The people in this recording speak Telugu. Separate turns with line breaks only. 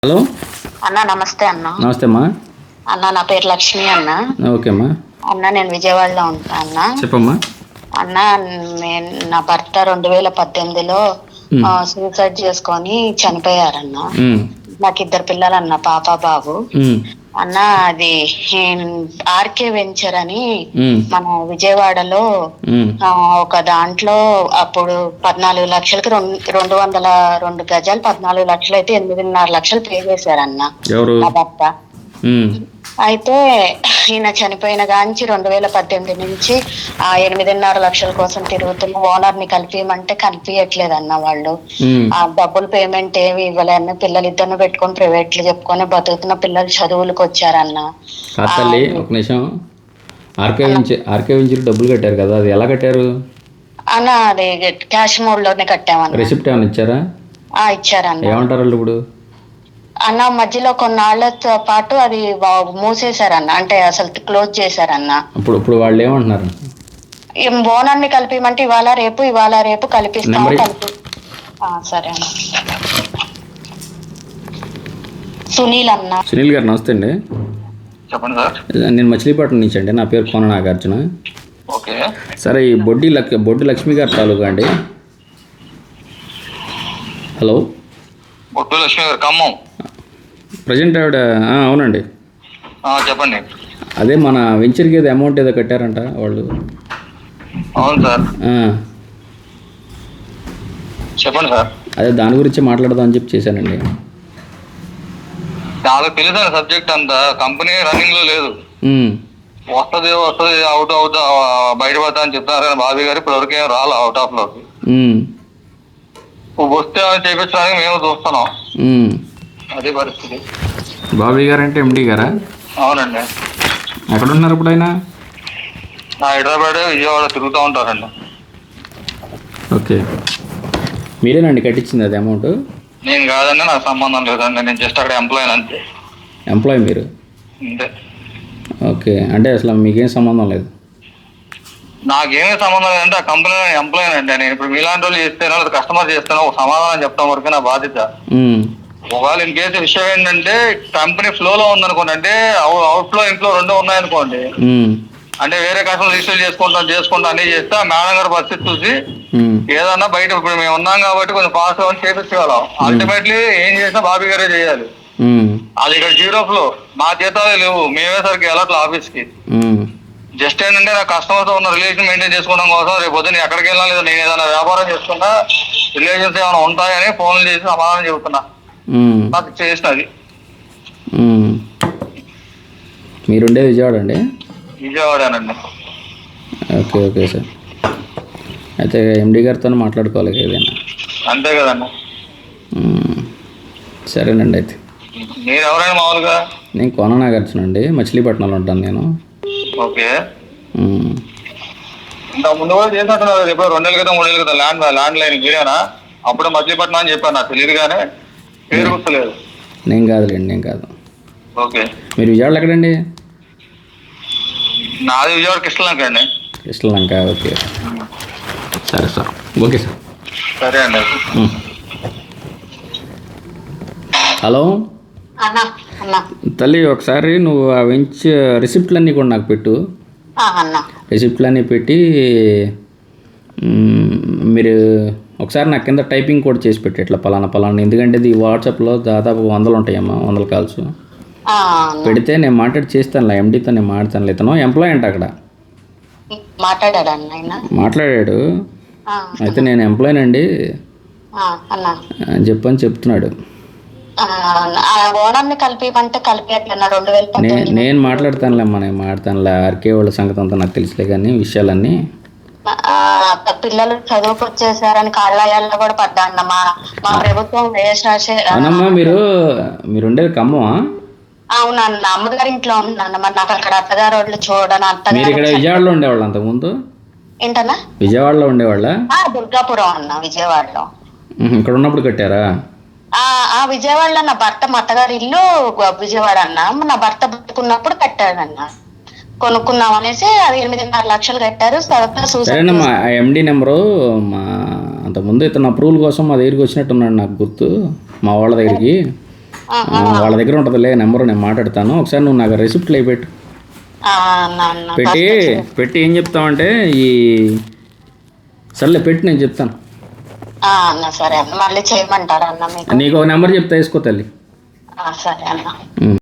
హలో
అన్న నమస్తే అన్న.
నమస్తే అమ్మా.
అన్న నా పేరు లక్ష్మి అన్న.
ఓకే అమ్మా.
అన్న నేను విజయవాడలో ఉంటా అన్న.
చెప్పమ్మా.
అన్న నా భర్త 2018లో
ఉమ్,
సూసైడ్ చేసుకొని చనిపోయారన్న.
ఉమ్,
నాకు ఇద్దరు పిల్లలు అన్న, పాప బాబు.
ఉమ్,
అన్న అది ఆర్కే వెంచర్ అని
ఉమ్,
మన విజయవాడలో
ఉమ్.
ఒక దాంట్లో అప్పుడు 14 లక్షలకి 202 గజాలు 14 లక్షలు అయితే 8.5 లక్షలు పే చేశారన్న
ఎవరు?
నా భర్త.
ఉమ్,
అయితే ఈయన చనిపోయిన గాంచి 2018 నుంచి ఆ 8.5 లక్షల కోసం తిరుగుతున్న ఓనర్ ని కలిపియమంటే కలిపియట్లేదన్న వాళ్ళు.
ఉమ్.
ఆ డబ్బులు పేమెంట్ ఏమి ఇవ్వలేని పిల్లలు ఇద్దరిని పెట్టుకొని ప్రైవేట్లు చెప్పుకొని బతుకుతున్న పిల్లలు చదువులకు వచ్చారన్న.
కాదు తల్లి, ఒక నిమిషం. ఆర్కే వెంచర్ డబ్బులు కట్టారు కదా, అది ఎలా కట్టారు?
అన్న అది క్యాష్ మోడ్ లోనే కట్టామన్న.
రెసిప్ట్ ఏమైనా ఇచ్చారా?
ఇచ్చారన్న.
ఏమంటారు వాళ్ళు ఇప్పుడు?
అన్న మధ్యలో కొన్నాళ్లతో పాటు అది మూసేశారన్న, అంటే అసలు క్లోజ్ చేశారన్న.
ఇప్పుడు వాళ్ళు ఏమంటున్నారు?
ఓనర్ ని కలిపిమంటే ఇవాళ రేపు కలిపిస్తాము సరే అన్న. సునీల్ అన్న.
సునీల్ గారు నమస్తే అండి.
చెప్పండి సార్.
నేను మచిలీపట్నం నుంచి అండి. నా పేరు కోన నాగార్జున.
ఓకే.
సరే, ఈ బొడ్డి లక్ష్మి గారు తాలూకా అండి. హలో.
బొట్టు లక్ష్మి గారు, ఖమ్మం.
ప్రజెంట్ ఆవిడ అవునండి.
చెప్పండి.
అదే మన వెంచర్కి ఏదో అమౌంట్ ఏదో కట్టారంట వాళ్ళు.
అవును సార్. చెప్పండి సార్.
అదే దాని గురించి మాట్లాడదాం అని చెప్పి చేశానండి.
నాకు తెలిసిన సబ్జెక్ట్ అంతా కంపెనీ రన్నింగ్ లో లేదు. వస్తుంది అవుట్ బయటపడతా అని చెప్తారు కానీ బాబీ గారు ఇప్పటివరకు ఏం రాలే అవుట్ ఆఫ్ లోకి. వస్తే చేయించడానికి మేము చూస్తున్నాం. అదే పరిస్థితి.
బాబీ గారు అంటే ఎండి గారా?
అవునండి.
ఎక్కడున్నారు ఇప్పుడు ఆయన?
హైదరాబాద్ విజయవాడ తిరుగుతూ ఉంటారండి.
ఓకే. మీరేనండి కట్టించింది అది అమౌంట్?
నేను కాదండి, నాకు సంబంధం లేదండి. నేను జస్ట్ అక్కడ ఎంప్లాయ్ అంతే.
ఎంప్లాయ్ మీరు?
అంతే.
ఓకే, అంటే అసలు మీకేం సంబంధం లేదు?
నాకేమీ సంబంధం లేదంటే ఆ కంపెనీ ఎంప్లాయ్ అండి. నేను ఇప్పుడు మీలాంటి వాళ్ళు చేస్తేనో లేదా కస్టమర్ చేస్తేనో ఒక సమాధానం చెప్తాం వరకు నా బాధ్యత. ఒకవేళ ఇన్ కేసు విషయం ఏంటంటే కంపెనీ ఫ్లోలో ఉందనుకోండి, అంటే అవుట్ ఫ్లో ఇన్ఫ్లో రెండు ఉన్నాయనుకోండి, అంటే వేరే కస్టమర్ రిజిస్టర్ చేసుకుంటా అన్ని చేస్తే ఆ మేడం గారి పరిస్థితి చూసి ఏదన్నా బయట ఇప్పుడు మేము ఉన్నాం కాబట్టి కొంచెం ఫాస్ట్ గా చేపించగలం. అల్టిమేట్లీ ఏం చేసినా బాబీ గారే చేయాలి. అది ఇక్కడ జీరో ఫ్లో, మా జీతాలే లేవు, మేమే సరికి వెళ్ళట్లే ఆఫీస్ కి. జస్ట్ ఏంటంటే నా కస్టమర్ తో ఉన్న రిలేషన్ మెయింటైన్ చేసుకోవడం కోసం రేపు పొద్దున్న ఎక్కడికి వెళ్ళినా లేదా నేను ఏదైనా వ్యాపారం చేసుకున్నా రిలేషన్స్ ఏమైనా ఉంటాయని ఫోన్లు చేసి సమాధానం చెబుతున్నా. నాకు చేసినది.
మీరుండే విజయవాడ అండి?
విజయవాడేనండి.
Okay okay sir. అయితే ఎండి గారితో మాట్లాడుకోవాలి ఏదైనా.
అంతే కదండి.
సరేనండి. అయితే
మీరు ఎవరైనా మామూలుగా?
నేను కోన నాగార్జున అండి, మచిలీపట్నంలో ఉంటాను నేను.
ఓకే. ఇంకా ముందు కూడా చేసినట్టున్నారు. ఎప్పుడు 2 నెలల క్రితం 3 నెలల క్రితం ల్యాండ్ లైన్ మీరేనా? అప్పుడే మచిలీపట్నం అని చెప్పాను, నాకు తెలియదు కానీ పేరు గుర్తులేదు.
నేను కాదులేండి, నేను కాదు.
ఓకే.
మీరు విజయవాడలో ఎక్కడండి?
నాది విజయవాడ కృష్ణలంక అండి.
కృష్ణలంక. ఓకే సరే సార్. Okay sir.
సరే అండి.
హలో
అన్న అన్న
తల్లి, ఒకసారి నువ్వు ఆ రిసిప్ట్లన్నీ కూడా నాకు పెట్టు.
అన్న
రిసిప్ట్లన్నీ పెట్టి మీరు ఒకసారి నాకు కింద టైపింగ్ కూడా చేసి పెట్టి ఇట్లా పలానా, ఎందుకంటే ఇది వాట్సాప్లో దాదాపు 100 ఉంటాయమ్మా, 100 కాల్స్ పెడితే నేను మాట్లాడి చేస్తానులే. ఎండితో నేను మాట్లాడతాను. ఇతను ఎంప్లాయ్ అంట అక్కడ. మాట్లాడాడు. అయితే నేను ఎంప్లాయ్ అని చెప్పని చెప్తున్నాడు. నేను మాట్లాడతానులేమ్మా, నేను మాట్లాడతానులే. ఆర్కే వాళ్ళ సంగతి అంతా నాకు తెలుసులే, కానీ విషయాలన్నీ.
పిల్లలు చదువుకు వచ్చేసారని కాళ్ళయాల్లో కూడా పడ్డా అన్న. మా ప్రభుత్వం
అవునమ్మా. మీరు ఉండేది ఖమ్మమా?
అవునన్న, అమ్మగారి ఇంట్లో ఉందన్న. మరి నాకు అక్కడ అత్తగారు వాళ్ళు చూడని
మీరు ఇక్కడ విజయవాడలో ఉండేవాళ్ళు అంతకుముందు?
ఏంటన్నా?
విజయవాడలో ఉండేవాళ్ళ?
దుర్గాపురం అన్న, విజయవాడలో.
ఇక్కడ ఉన్నప్పుడు కట్టారా?
విజయవాడలో నా భర్త మా అత్తగారి ఇల్లు విజయవాడ అన్న. నా భర్త బతుకున్నప్పుడు కట్టాడన్న. కొనుక్కున్నాం అనేసి అది 8.5 లక్షలు కట్టారు.
సరేనమ్మా. ఆ ఎండి నెంబరు అంతకుముందు ఇతను అప్రూవల్ కోసం మా దగ్గరికి వచ్చినట్టున్నాడు, నాకు గుర్తు, మా వాళ్ళ దగ్గరికి. వాళ్ళ దగ్గర ఉంటుందిలే నెంబరు, నేను మాట్లాడతాను. ఒకసారి నువ్వు నాకు రెసిప్ట్లు అయి పెట్టు.
అన్న
పెట్టి ఏం చెప్తామంటే ఈ సర్లే పెట్టి నేను చెప్తాను.
అన్న సరే అన్న, మళ్ళీ చేయమంటారా అన్న మీకు?
నీకు ఒక నెంబర్ చెప్తా, వేసుకో తల్లి.
సరే అన్న.